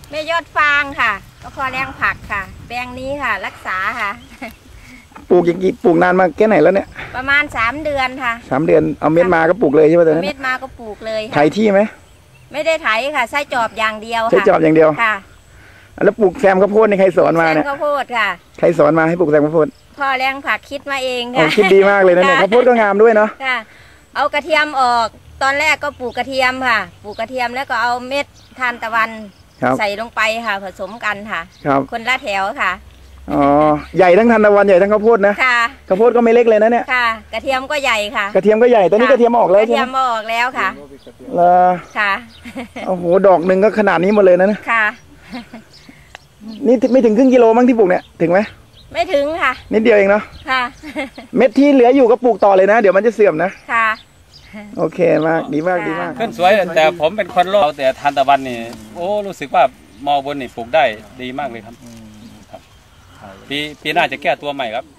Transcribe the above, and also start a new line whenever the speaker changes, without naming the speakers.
แม่ยอดฟางค่ะก็พอแรงผักค่ะแปลงนี้ค่ะรักษาค่ะ
ปลูกอย่างกี่ปลูกนานมาแค่ไหนแล้วเนี่ย
ประมาณ3 เดือนค่ะ
3 เดือนเอาเม็ดมาก็ปลูกเลยใช่ไหมตอนนั้น
เม็ดมาก็ปลูกเลย
ไถที่ไหม
ไม่ได้ไถค่ะใช้จอบอย่างเดียวค่ะ
ใช้จอบอย่างเดียว
ค่ะ
แล้วปลูกแซมข้าวโพดนี่ใครสอนมาเนี่ย
ข้าวโพดค่ะ
ใครสอนมาให้ปลูกแซมข้าวโพด
พ่อแรงผักคิดมาเองค่ะ
คิดดีมากเลยนะเนี่ยข้าวโพดก็งามด้วยเนาะ
ค่ะเอากระเทียมออกตอนแรกก็ปลูกกระเทียมค่ะปลูกกระเทียมแล้วก็เอาเม็ดทานตะวันใส่ลงไปค่ะผสมกันค่ะคนละแถวค่ะ
อ๋อใหญ่ทั้งทานตะวันใหญ่ทั้งข้าวโพดนะ
ค่ะ
ข้าวโพดก็ไม่เล็กเลยนะเนี่ย
ค่ะกระเทียมก็ใหญ่ค่ะ
กระเทียมก็ใหญ่ตอนนี้กระเทียมออกแล้วใช่ไหมกระเทีย
มออกแล้วค่ะ
ค่ะโอ้โหดอกหนึ่งก็ขนาดนี้หมดเลยนะ
ค่ะ
นี่ไม่ถึงครึ่งกิโลมั้งที่ปลูกเนี่ยถึงไหม
ไม่ถึงค่ะ
นิดเดียวเองเนาะ
ค่ะ
เม็ดที่เหลืออยู่ก็ปลูกต่อเลยนะเดี๋ยวมันจะเสื่อมนะ
ค่ะ
โอเคมากดีมากดีมาก
ขึ้นสวยแต่ผมเป็นคนโลกแต่ทานตะวันนี่โอ้รู้สึกว่ามอบนนี่ปลูกได้ดีมากเลยครับปีหน้าจะแก้ตัวใหม่ครับ